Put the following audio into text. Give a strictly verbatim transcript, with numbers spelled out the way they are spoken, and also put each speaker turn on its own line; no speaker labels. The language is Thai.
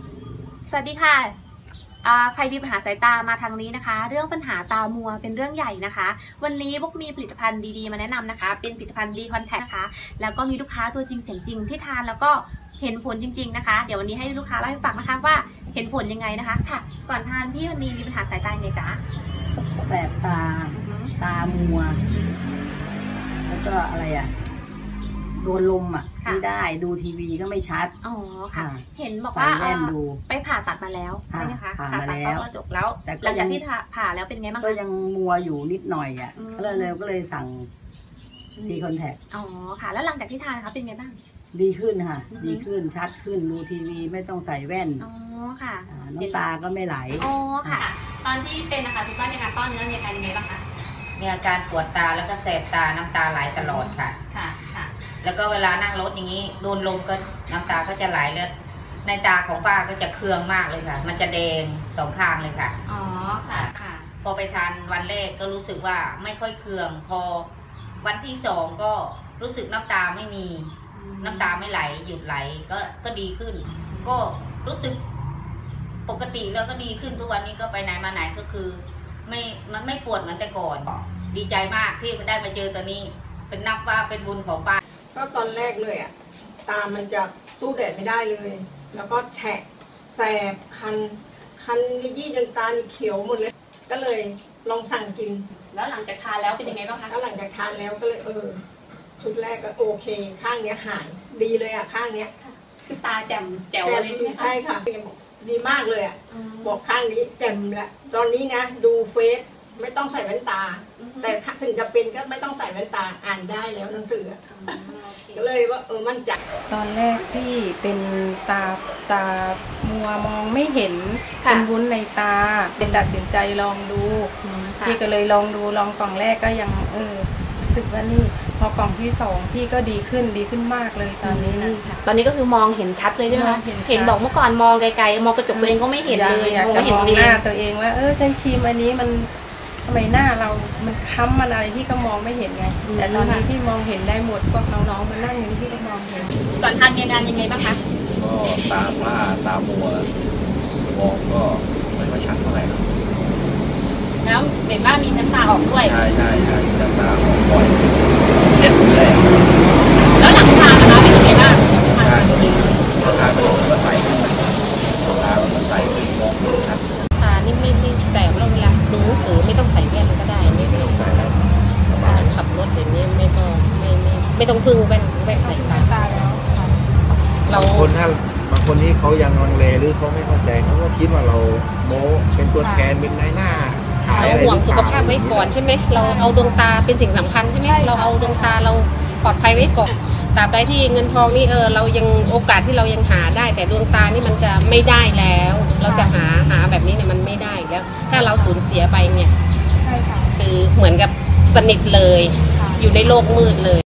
สวัสดีค่ะใครมีปัญหาสายตามาทางนี้นะคะเรื่องปัญหาตามัวเป็นเรื่องใหญ่นะคะวันนี้พวกมีผลิตภัณฑ์ดีๆมาแนะนำนะคะเป็นผลิตภัณฑ์ดีคอนแทคนะคะแล้วก็มีลูกค้าตัวจริงเสียงจริงที่ทานแล้วก็เห็นผลจริงๆนะคะเดี๋ยววันนี้ให้ลูกค้าเล่าให้ฟังนะคะว่าเห็นผลยังไงนะคะค่ะก่อนทานพี่วันนี้มีปัญหาสายตาไงจ๊ะ
แสบตาตามัวแล้วก็อะไรอ่ะโดนลมอ่ะไม่ได้ดูทีวีก็ไม่ชัด
อ๋อค่ะเห็นบอกว่าไปผ่าตัดมาแล้วใช่ไหมคะ
ผ่ามาแล้ว
จบแล้วหลังจากที่ผ่าแล้วเป็นไงบ้าง
ก็ยังมัวอยู่นิดหน่อยอ่ะก็เลยก็เลยสั่งดีคอนแทค
อ๋อค่ะแล้วหลังจากที่ทานนะคะเป็นไงบ้าง
ดีขึ้นค่ะดีขึ้นชัดขึ้นดูทีวีไม่ต้องใส่แว่น
อ๋อค่ะ
น้ำตาก็ไม่ไหล
อ๋อค่ะตอนที่เป็นนะคะคุณป้ามีอาการต้อเนื้อมีอาการยังไงบ้างคะ
มีอาการปวดตาแล้วก็แสบตาน้ำตาไหลตลอดค่ะ
ค่ะค่ะ
แล้วก็เวลานั่งรถอย่างนี้โดนลมก็น้ำตาก็จะไหลแล้วในตาของป้าก็จะเคืองมากเลยค่ะมันจะแดงสองข้างเลยค่ะ
อ๋อค่ะค่ะ
พอไปทานวันแรกก็รู้สึกว่าไม่ค่อยเคืองพอวันที่สองก็รู้สึกน้ำตาไม่มีน้ำตาไม่ไหลหยุดไหลก็ก็ดีขึ้นก็รู้สึกปกติแล้วก็ดีขึ้นทุกวันนี้ก็ไปไหนมาไหนก็คือไม่มันไม่ปวดเหมือนแต่ก่อนดีใจมากที่ได้มาเจอตัวนี้เป็นนับว่าเป็นบุญของป้า
ก็ตอนแรกเลยอ่ะตามันจะสู้แดดไม่ได้เลยแล้วก็แฉะแสบคันคันยี่จนตานี่เขียวหมดเลยก็เลยลองสั่งกิน
แล้วหลังจากทานแล้วเป็นยังไงบ้างคะ
ก็หลังจากทานแล้วก็เลยเออชุดแรกก็โอเคข้างเนี้ยหายดีเลยอ่ะข้างเนี้ย
คือตาแจ่มแจ๋วเลย
ใช่ค่ะดีมากเลยอ่ะบอกข้างนี้แจ่มแล้วตอนนี้นะดูเฟซไม่ต้องใส่แว่นตาแต่ถึงจะเป็นก็ไม่ต้องใส่แว่นตาอ่านได้แล้วหนังสือก็เลยว่าเออมั่นใจ
ตอนแรกที่เป็นตาตามัวมองไม่เห็นเป็นวุ้นในตาเป็นตัดสินใจลองดูพี่ก็เลยลองดูลองกล่องแรกก็ยังเออรู้สึกว่านี่พอกล่องที่สองพี่ก็ดีขึ้นดีขึ้นมากเลยตอนนี้นะ
ตอนนี้ก็คือมองเห็นชัดเลยใช่ไหมคะเห็นบอกเมื่อก่อนมองไกลๆมองกระจกตัวเองก็ไม่เห็นเลย
มองไม่เห็นหน้าตัวเองว่าเออใช้ครีมอันนี้มันทำไมหน้าเรามันค้ำมันอะไรที่ก็มองไม่เห็นไงแต่ตอนนี้ที่มองเห็นได้หมดพวกน้องๆมานั่งอยู่ที่ก็มองเห็น
ก่อนทานมีอาการยังไงบ้างคะ
ก็ตาผ้าตามัวมองก็ไม่ค่อยชัดเท่าไหร่ครับ
แล้วเห็นว่ามีน้ำตาออกด้วย
ใช่ใช่ใช่น้ำตาออกบ่อยเช็ดเลย
แล้วหลังทานล่ะคะเป็นยังไงบ้าง
ทานก็ดีทานก็ก็ใสขึ้นตามันใสขึ้นมองชัด
ตานี่ไม่ที่แสบแล้วเวลาดูหนังสือไม่ต้องใส่แว่นก็ได้ไม่ต้องใส่แล้วขับรถอย่างนี้ไม่ต้องไม่ไม่ไม่ต้องพึ่งแว่นแว่นใส่ตาแล้ว
เราคนถ้าบางคนที่เขายังลังเลหรือเขาไม่เข้าใจเขาก็คิดว่าเราโม้เป็นตัวแทนเป็นนายหน้าขายอะไร
เราห่วงสุขภาพไว้ก่อนใช่ไหมเราเอาดวงตาเป็นสิ่งสำคัญใช่ไหมเราเอาดวงตาเราปลอดภัยไว้ก่อนตราบใดที่เงินทองนี่เออเรายังโอกาสที่เรายังหาได้แต่ดวงตานี่มันจะไม่ได้แล้วเราจะหาหาแบบนี้เนี่ยมันไม่ได้แล้วถ้าเราสูญเสียไปเนี่ยคือเหมือนกับสนิทเลยอยู่ในโลกมืดเลย